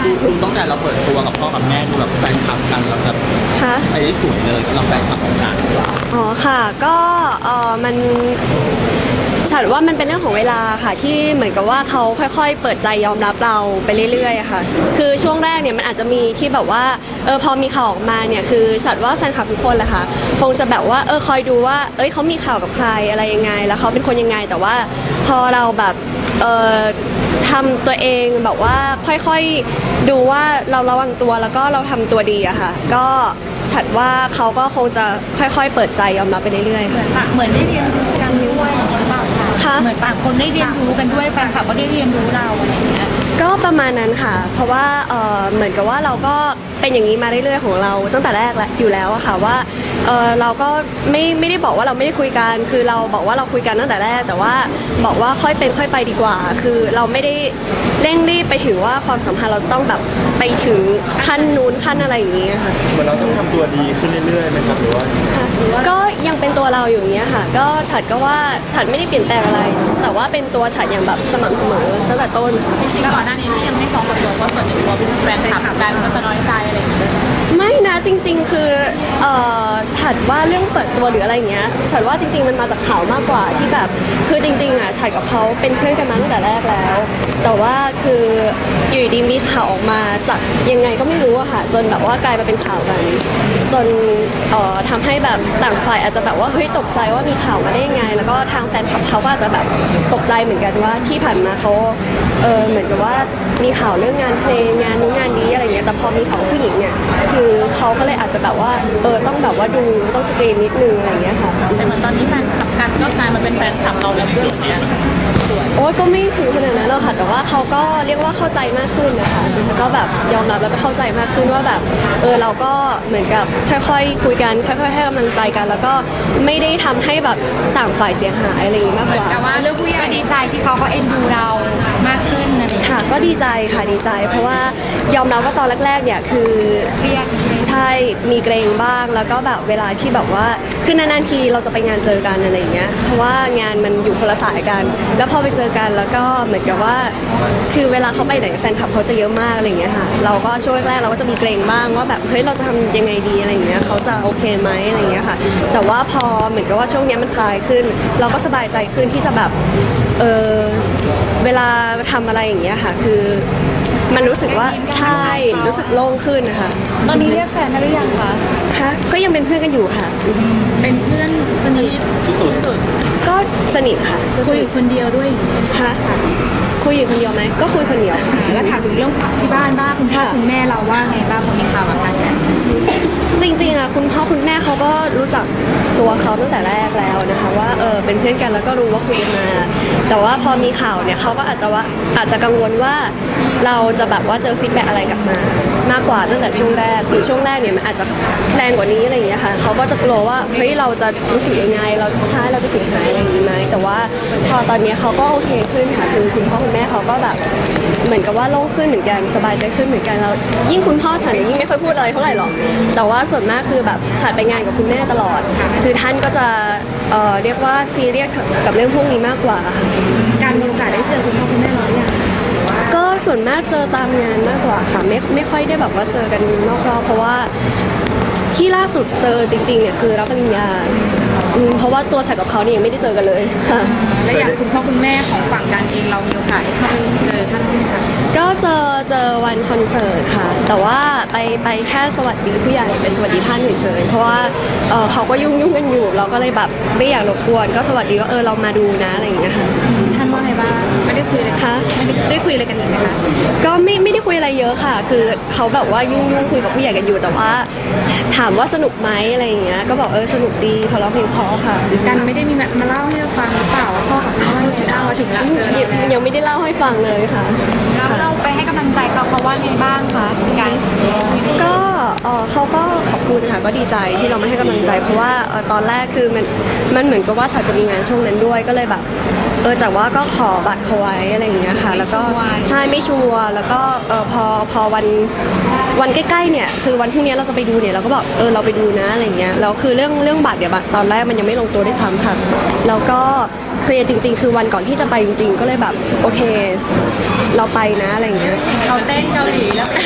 ดูตั้งแต่เราเปิดตัวกับพ่อกับแม่ดูแบบแฟนคลับกันแล้วแบบไปได้สวยเลยเราแฟนคลับของกันอ๋อค่ะก็มันฉันว่ามันเป็นเรื่องของเวลาค่ะที่เหมือนกับว่าเขาค่อยๆเปิดใจยอมรับเราไปเรื่อยๆค่ะคือช่วงแรกเนี่ยมันอาจจะมีที่แบบว่าพอมีข่าวออกมาเนี่ยคือฉันว่าแฟนคลับทุกคนแหละค่ะคงจะแบบว่าคอยดูว่าเขามีข่าวกับใครอะไรยังไงแล้วเขาเป็นคนยังไงแต่ว่าพอเราแบบทำตัวเองแบบว่าค่อยๆดูว่าเราระวังตัวแล้วก็เราทำตัวดีอะค่ะก็ฉันว่าเขาก็คงจะค่อยๆเปิดใจยอมรับไปเรื่อยๆเหมือนได้เรียนรู้กันด้วยหรือเปล่าคะเหมือนต่างคนได้เรียนรู้กันด้วยแฟนคลับก็ได้เรียนรู้เราอะไรอย่างเงี้ยก็ประมาณนั้นค่ะเพราะว่าเหมือนกับว่าเราก็เป็นอย่างนี้มาเรื่อยๆของเราตั้งแต่แรกแล้วอยู่แล้วอะค่ะว่าเราก็ไม่ได้บอกว่าเราไม่ได้คุยกันคือเราบอกว่าเราคุยกันตั้งแต่แรกแต่ว่าบอกว่าค่อยเป็นค่อยไปดีกว่าคือเราไม่ได้เร่งรีบไปถึงว่าความสัมพันธ์เราจะต้องแบบไปถึงขั้นนู้นขั้นอะไรอย่างนี้ค่ะเหมือนเราต้องทำตัวดีขึ้นเรื่อยๆไหมครับหรือว่าก็ยังเป็นตัวเราอยู่อย่างเงี้ยค่ะก็ฉันก็ว่าฉันไม่ได้เปลี่ยนแปลงอะไรแต่ว่าเป็นตัวฉันอย่างแบบสม่ำเสมอตั้งแต่ต้นก่อนหน้านี้ยังไม่ฟ้องกับตัวว่าส่วนใหญ่ตัวเป็นแฟนคลับกันก็จะน้อยใจอะไรอย่างเงี้ยไม่นะจริงๆคือฉันว่าเรื่องเปิดตัวหรืออะไรอย่างเงี้ยฉันว่าจริงๆมันมาจากข่าวมากกว่าที่แบบคือจริงๆอ่ะฉันกับเขาเป็นเพื่อนกันมาตั้งแต่แรกแล้วแต่ว่าคืออยู่ดีมีข่าวออกมาจากยังไงก็ไม่รู้อะค่ะจนแบบว่ากลายมาเป็นข่าวกันจนทำให้แบบต่างฝ่ายอาจจะแบบว่าเฮ้ยตกใจว่ามีข่าวมาได้ยังไงแล้วก็ทางแฟนคลับเขาก็อาจจะแบบตกใจเหมือนกันว่าที่ผ่านมาเขาเหมือนกับว่ามีข่าวเรื่องงานเพลงงานนู้นงานนี้อะไรเงี้ยแต่พอมีข่าวผู้หญิงเนี่ยคือเขาก็เลยอาจจะแบบว่าต้องแบบว่าดูต้องสกรีนนิดนึงอะไรเงี้ยค่ะแต่เหมือนตอนนี้แฟนคลับกันก็กลายมาเป็นแฟนคลับเราแล้วด้วยอย่างเงี้ยโอ้ยก็ไม่ถึงขนาดนั้นหรอกค่ะแต่ว่าเขาก็เรียกว่าเข้าใจมากขึ้นนะคะก็แบบยอมรับแล้วก็เข้าใจมากขึ้นว่าแบบเราก็เหมือนกับค่อยๆคุยกันค่อยๆให้กำลังใจกันแล้วก็ไม่ได้ทำให้แบบต่างฝ่ายเสียหายอะไรอย่างนี้มากกว่าแต่ว่าเรื่องผู้ใหญ่ดีใจที่เขาเอ็นดูเรามากขึ้นอะไรค่ะก็ดีใจค่ะดีใจเพราะว่ายอมรับว่าตอนแรกๆเนี่ยคือเครียดใช่มีเกรงบ้างแล้วก็แบบเวลาที่แบบว่าคือนานๆทีเราจะไปงานเจอกันอะไรอย่างเงี้ยเพราะว่างานมันอยู่คนละสายกันแล้วพอไปเจอกันแล้วก็เหมือนกับว่าคือเวลาเขาไปไหนแฟนคลับเขาจะเยอะมากอะไรอย่างเงี้ยค่ะเราก็ช่วงแรกเราก็จะมีเกรงบ้างว่าแบบเฮ้ยเราจะทำยังไงดีอะไรอย่างเงี้ยเขาจะโอเคไหมอะไรอย่างเงี้ยค่ะแต่ว่าพอเหมือนกับว่าช่วงนี้มันคลายขึ้นเราก็สบายใจขึ้นที่จะแบบเวลาทำอะไรอย่างเงี้ยค่ะคือมันรู้สึกว่าใช่รู้สึกโล่งขึ้นนะคะตอนนี้เรียกแฟนได้หรือยังคะก็ยังเป็นเพื่อนกันอยู่ค่ะเป็นเพื่อนสนิทที่สุดก็สนิทค่ะคุยคนเดียวด้วยใช่ไหมคะคุยอยู่คนเดียวไหมก็คุยคนเดียวแล้วถามถึงเรื่องที่บ้านบ้างคุณพ่อคุณแม่เราว่าไงบ้างพอมีข่าวกับการกันจริงๆอะคุณพ่อคุณแม่เขาก็รู้จักตัวเขาตั้งแต่แรกแล้วนะคะว่าเป็นเพื่อนกันแล้วก็รู้ว่าคุยกันมาแต่ว่าพอมีข่าวเนี่ยเขาก็อาจจะกังวลว่าเราจะแบบว่าเจอฟีดแบ็กอะไรกลับมามากกว่าตั้งแต่ช่วงแรกคือช่วงแรกเนี่ยมันอาจจะแรงกว่านี้อะไรอย่างเงี้ยค่ะเขาก็จะกลัวว่าเฮ้ยเราจะรู้สึกยังไงเราจะเสียหายอะไรอย่างนี้ไหมแต่ว่าพอตอนนี้เขาก็โอเคขึ้นค่ะคือคุณพ่อคุณแม่เขาก็แบบเหมือนกับว่าโล่งขึ้นเหมือนกันสบายใจขึ้นเหมือนกันแล้วยิ่งคุณพ่อฉันยิ่งไม่ค่อยพูดอะไรเท่าไหร่หรอกแต่ว่าส่วนมากคือแบบฉันไปงานกับคุณแม่ตลอดคือท่านก็จะเรียกว่าซีเรียสกับเรื่องพวกนี้มากกว่าการมีโอกาสได้เจอคุณพ่อคุณแม่เราหรือยังก็ส่วนมากเจอตามงานมากกว่าค่ะไม่ค่อยได้แบบว่าเจอกันนอกรอบเพราะว่าที่ล่าสุดเจอจริงๆเนี่ยคือรับปริญญาเพราะว่าตัวฉันกับเขาเนี่ยยังไม่ได้เจอกันเลยค่ะและอย่างคุณพ่อคุณแม่ของฝั่งการเองเรามีโอกาสได้เข้าไปเจอท่านไหมคะก็เจอวันคอนเสิร์ตค่ะแต่ว่าไปแค่สวัสดีผู้ใหญ่ไปสวัสดีท่านเฉยๆเพราะว่าเขาก็ยุ่งกันอยู่เราก็เลยแบบไม่อยากรบกวนก็สวัสดีว่าเรามาดูนะอะไรอย่างเงี้ยค่ะท่านว่าไงบ้างไม่ได้คุยเลยค่ะไม่ได้คุยอะไรกันอีกไหมคะก็ไม่ได้คุยอะไรเยอะค่ะคือเขาแบบว่ายุ่งคุยกับผู้ใหญ่กันอยู่แต่ว่าถามว่าสนุกไหมอะไรอย่างเงี้ยก็บอกสนุกดีเขาร้องเพลงเพราะค่ะกันไม่ได้มีมาเล่าให้เราฟังหรือเปล่าว่าพ่อกับแม่ว่าไงบ้างมาถึงแล้วยังไม่ได้เล่าให้ฟังเลยค่ะแล้วเราไปให้กำลังใจเขาว่าไงบ้างคะการก็เขาก็ขอบคุณค่ะก็ดีใจที่เรามาให้กำลังใจเพราะว่าตอนแรกคือมันเหมือนกับว่าฉันจะมีงานช่วงนั้นด้วยก็เลยแบบแต่ว่าก็ขอบัตรเขาไว้อะไรอย่างเงี้ยค่ะแล้วก็ใช่ไม่ชัวร์แล้วก็พอวันใกล้ๆเนี่ยคือวันพรุ่งนี้เราจะไปดูเนี่ยเราก็บอกเราไปดูนะอะไรเงี้ยแล้วคือเรื่องบัตรเนี่ยบัตรตอนแรกมันยังไม่ลงตัวได้ซ้ำค่ะแล้วก็เคลียร์จริงๆคือวันก่อนที่จะไปจริงๆก็เลยแบบโอเคเราไปนะอะไรเงี้ยเขาเต้นเกาหลีแล้วเป็น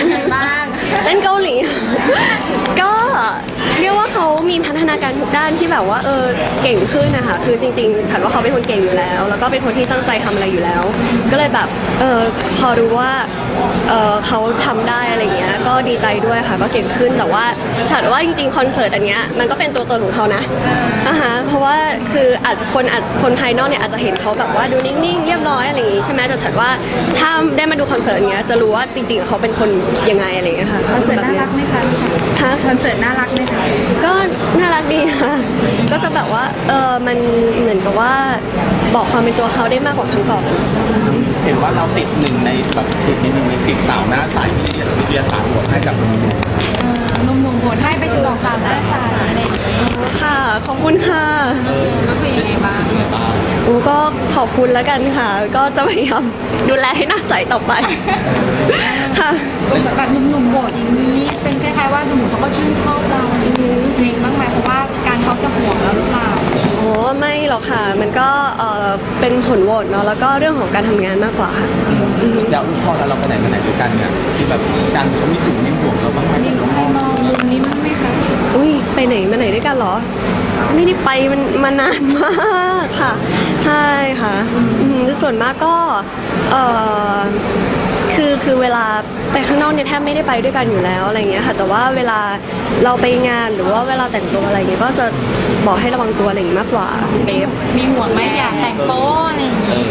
เต้นเกาหลี ก็เรียกว่าเขามีพัฒนาการทุกด้านที่แบบว่าเก่งขึ้นนะคะคือจริงๆฉันว่าเขาเป็นคนเก่งอยู่แล้ว แล้วก็เป็นคนที่ตั้งใจทำอะไรอยู่แล้ว ก็เลยแบบพอรู้ว่าเขาทำได้อะไรเงี้ยก็ดีใจด้วยค่ะก็เก่งขึ้นแต่ว่าฉันว่าจริงๆคอนเสิร์ตอันเนี้ยมันก็เป็นตัวตนของเขานะเพราะว่าคืออาจคนภายนอกเนี่ยอาจจะเห็นเขาแบบว่าดูนิ่งๆเรียบร้อยอะไรอย่างงี้ใช่ไหมแต่ฉันว่าถ้าได้มาดูคอนเสิร์ตเนี้ยจะรู้ว่าจริงๆเขาเป็นคนยังไงอะไรเงี้ยค่ะคอนเสิร์ตน่ารักไหมคะ คอนเสิร์ตน่ารักไหมคะก็น่ารักดีค่ะ ก็จะแบบว่ามันเหมือนกับว่าบอกความเป็นตัวเขาได้มากกว่าครั้งก่อนเห็นว่าเราติดหนึ่งในแบบติดในหนึ่งใน10สาวหน้าใสที่วิทยาศาสตร์บทให้กับหนุ่มหนุ่มๆโหวตให้ไป12 สาวหน้าใสอะไรอย่างเงี้ยค่ะขอบคุณค่ะรู้สึกยังไงบ้างโอ้ก็ขอบคุณแล้วกันค่ะ ก็จะพยายามดูแลให้หน้าใสต่อไป ค่ะแบบหนุ่มๆโหวตอย่างนี้ เป็นคล้ายๆว่าหนุ่มๆเขาก็ชื่นชอบเราเองบ้างไหมเพราะว่าการเขาจะห่วงเราหรือเปล่าโอ้ไม่หรอกค่ะ มันก็เป็นผลโหวตเนาะแล้วก็เรื่องของการทำงานมากกว่าค่ะๆแล้วพอเราไปไหนมาไหนด้วยกันเนี่ยที่แบบการเขามีถึงมีห่วงเราบ้างไหมมีใครมองมุมนี้บ้างไหมคะอุ้ยไปไหนมาไหนด้วยกันเหรอ ไม่ได้ไปมันมานานมากค่ะ ใช่ค่ะส่วนมากก็คือเวลาไปข้างนอกเนี่ยแทบไม่ได้ไปด้วยกันอยู่แล้วอะไรเงี้ยค่ะแต่ว่าเวลาเราไปงานหรือว่าเวลาแต่งตัวอะไรเงี้ยก็จะบอกให้ระวังตัวอะไรอย่างงี้มากกว่าเซฟมีห่วงไหมอยากแต่งโป๊อะไรอย่างงี้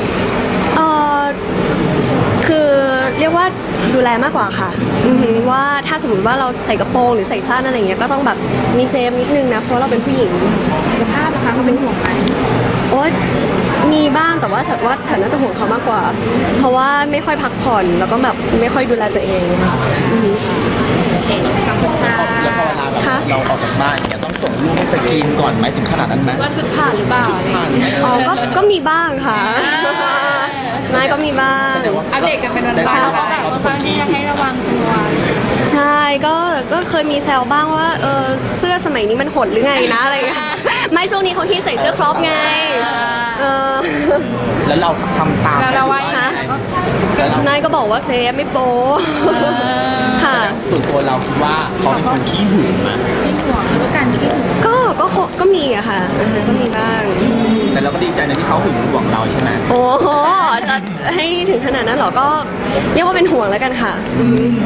คือเรียกว่าดูแลมากกว่าค่ะว่าถ้าสมมติว่าเราใส่กระโปรงหรือใส่สั้นอะไรเงี้ยก็ต้องแบบมีเซฟนิดนึงนะเพราะเราเป็นผู้หญิงสุขภาพนะคะเขาเป็นห่วงไหมโอ๊ยมีบ้างแต่ว่าฉันน่าจะห่วงเขามากกว่า เพราะว่าไม่ค่อยพักผ่อนแล้วก็แบบไม่ค่อยดูแลตัวเองค่ะเองขอบคุณค่ะแล้วพอเวลาแบบค่ะเราออกจากบ้านเนี่ยต้องส่งลูกให้สกรีนก่อนไหมถึงขนาดนั้นไหมว่าชุดผ่านหรือเปล่าอะไรอย่างผ่านเงี้ยไหมอ๋อก็มีบ้างค่ะไม่ก็มีบ้างแต่ว่าอัปเดตกันเป็นวันๆแล้วก็แบบว่าบางทีอยากให้ระวังตัวใช่ก็เคยมีแซวบ้างว่าเสื้อสมัยนี้มันหดหรือไงนะอะไรเงี้ยไม่ช่วงนี้เขาที่ใส่เสื้อครอปไงเออแล้วเราทำตามแล้วเราว่ายังไงแล้วเรานายก็บอกว่าเซฟไม่โป๊ค่ะส่วนตัวเราคิดว่าเขาเป็นคนขี้หึงมาที่ห่วงหรือการที่ห่วงก็มีอะค่ะก็มีบ้างแต่เราก็ดีใจในที่เขาหึงหวงเราใช่ไหมโอ้โหจะให้ถึงขนาดนั้นเหรอก็เรียกว่าเป็นห่วงแล้วกันค่ะ